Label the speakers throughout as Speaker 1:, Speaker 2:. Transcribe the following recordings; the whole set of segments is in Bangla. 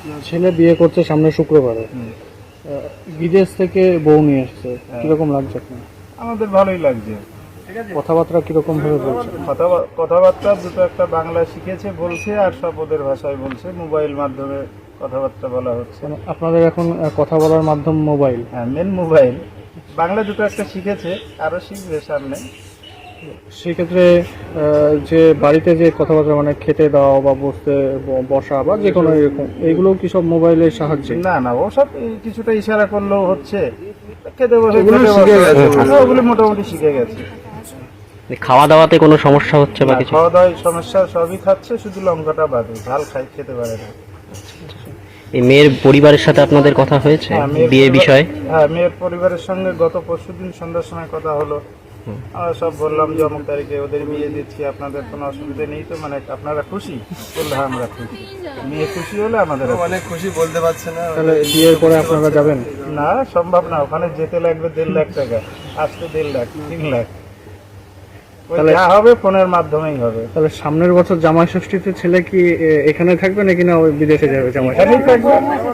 Speaker 1: ছেলে বিয়ে করছে সামনে শুক্রবারে, বিদেশ থেকে বউ নিয়ে এসছে, কিরকম লাগছে আপনার?
Speaker 2: আমাদের ভালোই লাগছে।
Speaker 1: কথাবার্তা কিরকম ভাবে বলছে?
Speaker 2: কথাবার্তা দুটো একটা বাংলা শিখেছে বলছে, আর সব ওদের ভাষায় বলছে, মোবাইল মাধ্যমে কথাবার্তা বলা হচ্ছে।
Speaker 1: মানে আপনাদের এখন কথা বলার মাধ্যম মোবাইল?
Speaker 2: হ্যাঁ, মেন মোবাইল। বাংলা দুটো একটা শিখেছে, আরো শিখবে সামনে।
Speaker 1: সেক্ষেত্রে যে বাড়িতে যে কথাবার্তা মানে খেতে দেওয়া বা বসতে বসা বা যে কোনো এরকম, এইগুলো কি সব মোবাইলের সাহায্যে?
Speaker 2: না না, ওসব কিছুটা ইশারা করলেও হচ্ছে। খেতে বসে
Speaker 1: ওগুলো
Speaker 2: খেতে
Speaker 1: শিখে
Speaker 2: বসে।
Speaker 1: গেছে।
Speaker 2: হ্যাঁ, ওগুলো মোটামুটি শিখে গেছে।
Speaker 3: খাওয়া দাওয়াতে কোনো সমস্যা হচ্ছে বা
Speaker 2: না,
Speaker 3: কিছু?
Speaker 2: খাওয়া দাওয়ায় সমস্যা সবই খাচ্ছে, শুধু লঙ্কাটা বাদে। ঝাল খেতে পারে না।
Speaker 3: এই মেয়ের পরিবারের সাথে আপনাদের কথা হয়েছে
Speaker 2: হ্যাঁ, মেয়ের
Speaker 3: বিয়ে
Speaker 2: পরিবার-
Speaker 3: বিষয়ে?
Speaker 2: হ্যাঁ, মেয়ের পরিবারের সঙ্গে গত পরশুদিন সন্ধ্যার সময় কথা হলো। আমরা সব বললাম যে অমুক তারিখে ওদের বিয়ে দিচ্ছি, আপনাদের কোনো অসুবিধা নেই তো? মানে আপনারা খুশি? বললে হ্যাঁ, আমরা খুশি। মেয়ে খুশি হলে আমাদের
Speaker 4: অনেক খুশি, বলতে পারছে না।
Speaker 1: তাহলে বিয়ের পরে আপনারা যাবেন?
Speaker 2: না, সম্ভব না। ওখানে যেতে লাগবে 1.5 লাখ টাকা, আসতে 1.5 লাখ, 3 লাখ। ওই
Speaker 1: তাহলে-
Speaker 2: যা হবে ফোনের মাধ্যমেই হবে।
Speaker 1: তাহলে সামনের বছর জামাই ষষ্ঠীতে ছেলে কি এখানে থাকবে নাকি না ওই বিদেশে যাবে জামাই?
Speaker 2: এখানেই থাকবে।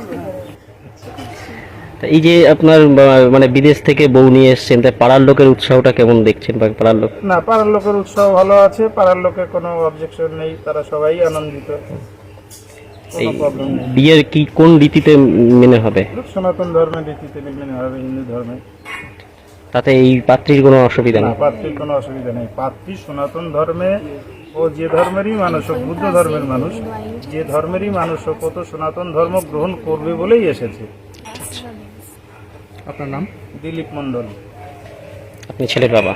Speaker 3: তা এই যে আপনার মানে বিদেশ থেকে বউ নিয়ে এসছেন, তাই পাড়ার লোকের উৎসাহটা কেমন দেখছেন? বা পাড়ার লোক
Speaker 2: না, পাড়ার লোকের উৎসাহ ভালো আছে। পাড়ার লোকের কোনো অবজেকশন নেই, তারা সবাই আনন্দিত।
Speaker 3: এই
Speaker 2: কোনো প্রবলেম নেই।
Speaker 3: বিয়ের কি কোন রীতিতে মেনে হবে?
Speaker 2: সনাতন ধর্মের রীতিতে মেনে হবে, হিন্দু ধর্মে।
Speaker 3: তাতে এই পাত্রীর কোনো অসুবিধা
Speaker 2: না,
Speaker 3: নেই?
Speaker 2: পাত্রীর কোনো অসুবিধা নেই। পাত্রী সনাতন ধর্মে, ও যে ধর্মেরই মানুষ হোক, বুদ্ধ ধর্মের মানুষ, যে ধর্মেরই মানুষ হোক, ও তো সনাতন ধর্ম গ্রহণ করবে বলেই এসেছে।
Speaker 1: আপনার নাম?
Speaker 2: দিলীপ মণ্ডল।
Speaker 3: আপনি ছেলের বাবা?